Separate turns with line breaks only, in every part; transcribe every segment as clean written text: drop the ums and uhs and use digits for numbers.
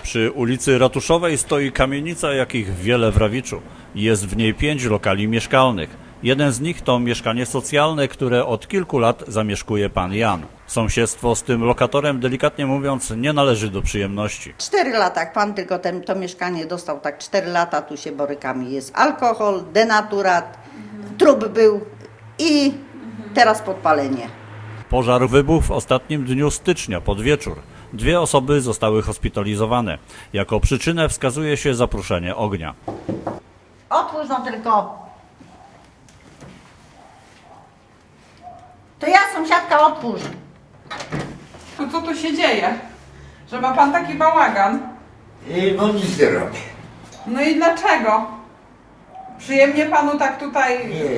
Przy ulicy Ratuszowej stoi kamienica, jakich wiele w Rawiczu. Jest w niej 5 lokali mieszkalnych. Jeden z nich to mieszkanie socjalne, które od kilku lat zamieszkuje pan Jan. Sąsiedztwo z tym lokatorem, delikatnie mówiąc, nie należy do przyjemności.
4 lata, jak pan tylko to mieszkanie dostał, tak 4 lata, tu się borykamy. Jest alkohol, denaturat, trup był i teraz podpalenie.
Pożar wybuchł w ostatnim dniu stycznia pod wieczór. 2 osoby zostały hospitalizowane. Jako przyczynę wskazuje się zapruszenie ognia.
Otwórz no tylko. To ja, sąsiadka, otwórz.
To co tu się dzieje? Że ma pan taki bałagan?
No nic nie robię.
No i dlaczego? Przyjemnie panu tak tutaj...
Nie.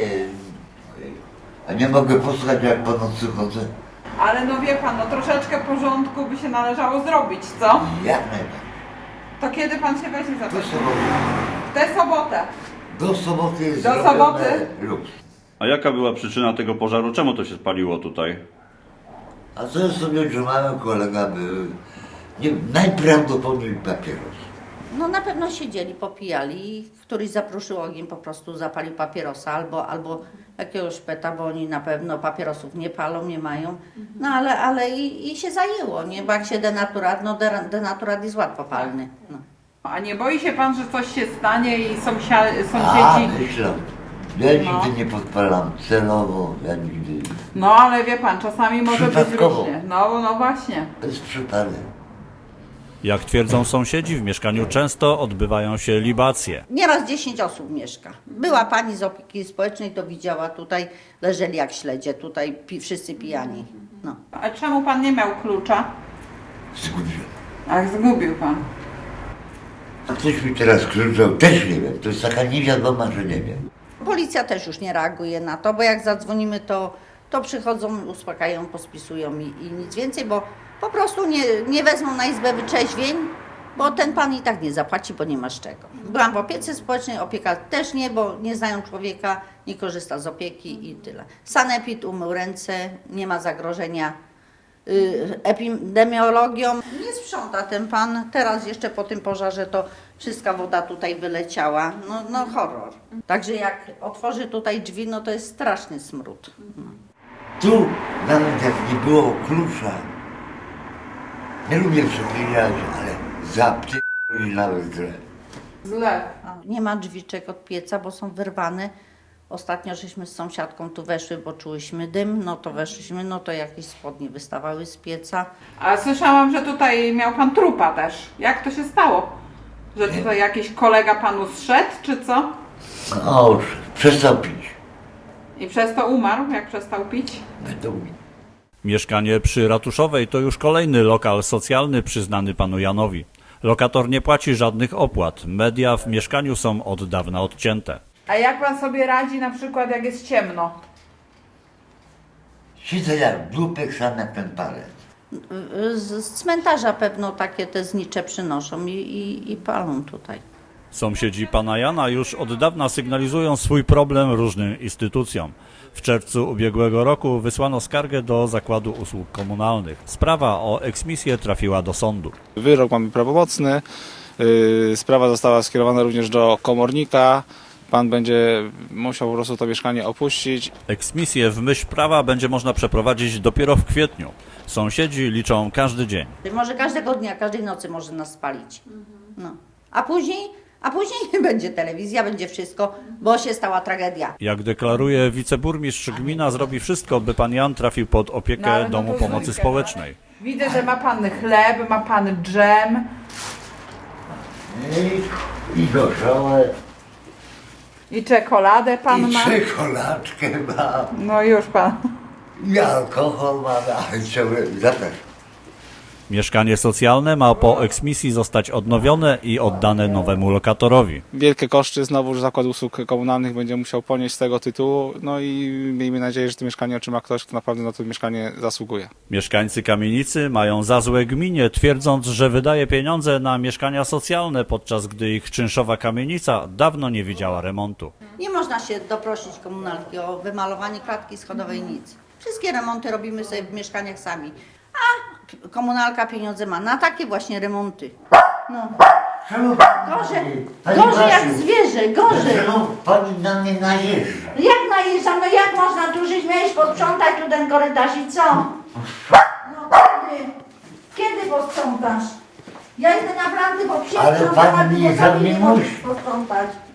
A nie mogę posłuchać, jak po nocy chodzę?
Ale no wie pan, no troszeczkę porządku by się należało zrobić, co?
Jak najbardziej.
To kiedy pan się weźmie za to?
Do soboty.
W tę sobotę.
Do soboty jest
Do
zrobione
soboty?
luks.
A jaka była przyczyna tego pożaru? Czemu to się spaliło tutaj?
A co jest sobie, że mały kolega był, najprawdopodobniej papieros.
No na pewno siedzieli, popijali i któryś zapruszył ogień, po prostu zapalił papierosa albo jakiegoś peta, bo oni na pewno papierosów nie palą, nie mają. No ale i się zajęło, nie? Bo jak się denaturat, no denaturat jest łatwopalny. No.
A nie boi się pan, że coś się stanie i sąsiedzi...
Myślę. Ja nigdy nie podpalam celowo, ja nigdy.
No ale wie pan, czasami może być
Przypadkowo.
różnie. No właśnie.
Bez przypadek.
Jak twierdzą sąsiedzi, w mieszkaniu często odbywają się libacje.
Nieraz 10 osób mieszka. Była pani z opieki społecznej, to widziała tutaj, leżeli jak śledzie, tutaj wszyscy pijani. No.
A czemu pan nie miał klucza?
Zgubiłem.
Ach, zgubił pan.
A ktoś mi teraz krzyczał, też nie wiem. To jest taka niewiadoma, że nie wiem.
Policja też już nie reaguje na to, bo jak zadzwonimy, to przychodzą, uspokajają, pospisują i nic więcej, bo po prostu nie wezmą na izbę wyczeźwień, bo ten pan i tak nie zapłaci, bo nie ma z czego. Byłam w opiece społecznej, opieka też nie, bo nie znają człowieka, nie korzysta z opieki i tyle. Sanepid umył ręce, nie ma zagrożenia epidemiologią. Nie sprząta ten pan, teraz jeszcze po tym pożarze to wszystka woda tutaj wyleciała, no horror. Także jak otworzy tutaj drzwi, no to jest straszny smród. No.
Tu, nawet jak nie było klucza, nie lubię przeklinać, ale zapytali nawet źle.
Źle.
Nie ma drzwiczek od pieca, bo są wyrwane. Ostatnio żeśmy z sąsiadką tu weszły, bo czułyśmy dym, no to weszliśmy, no to jakieś spodnie wystawały z pieca.
A słyszałam, że tutaj miał pan trupa też. Jak to się stało? Że tutaj jakiś kolega panu zszedł, czy co?
No, przestał pić.
I przez to umarł, jak przestał pić?
Będą mi.
Mieszkanie przy Ratuszowej to już kolejny lokal socjalny przyznany panu Janowi. Lokator nie płaci żadnych opłat. Media w mieszkaniu są od dawna odcięte.
A jak pan sobie radzi na przykład, jak jest ciemno?
Siedzę jak dupek sam jak ten palec.
Z cmentarza pewno takie te znicze przynoszą i palą tutaj.
Sąsiedzi pana Jana już od dawna sygnalizują swój problem różnym instytucjom. W czerwcu ubiegłego roku wysłano skargę do Zakładu Usług Komunalnych. Sprawa o eksmisję trafiła do sądu.
Wyrok mamy prawomocny. Sprawa została skierowana również do komornika. Pan będzie musiał po prostu to mieszkanie opuścić.
Eksmisję w myśl prawa będzie można przeprowadzić dopiero w kwietniu. Sąsiedzi liczą każdy dzień.
Może każdego dnia, każdej nocy może nas spalić. No. A później będzie telewizja, będzie wszystko, bo się stała tragedia.
Jak deklaruje wiceburmistrz, gmina zrobi wszystko, by pan Jan trafił pod opiekę
No, ale no
Domu
to
Pomocy
zróbcie,
Społecznej.
Widzę, że ma pan chleb, ma pan dżem.
I gorzałe,
I czekoladę pan
i
ma.
czekoladkę mam,
No już pan.
i alkohol mam, ale ciągle zapraszam.
Mieszkanie socjalne ma po eksmisji zostać odnowione i oddane nowemu lokatorowi.
Wielkie koszty znowu Zakład Usług Komunalnych będzie musiał ponieść z tego tytułu. No i miejmy nadzieję, że to mieszkanie otrzyma ktoś, kto naprawdę na to mieszkanie zasługuje.
Mieszkańcy kamienicy mają za złe gminie, twierdząc, że wydaje pieniądze na mieszkania socjalne, podczas gdy ich czynszowa kamienica dawno nie widziała remontu.
Nie można się doprosić komunalki o wymalowanie klatki schodowej, nic. Wszystkie remonty robimy sobie w mieszkaniach sami. A komunalka pieniądze ma na takie właśnie remonty. No.
Czemu pani
Gorzej,
Pani
gorzej jak
Basiu,
zwierzę, gorzej.
Dlaczego pani na mnie najeżdża?
Jak najeżdżam, no jak można tu żyć? Miałeś posprzątać tu ten korytarz i co? No kiedy? Kiedy posprzątasz? Ja idę naprawdę po
Ale
księdzu,
pani
a ty
mnie
po sobie nie
za mnie
możesz
musi.
posprzątać.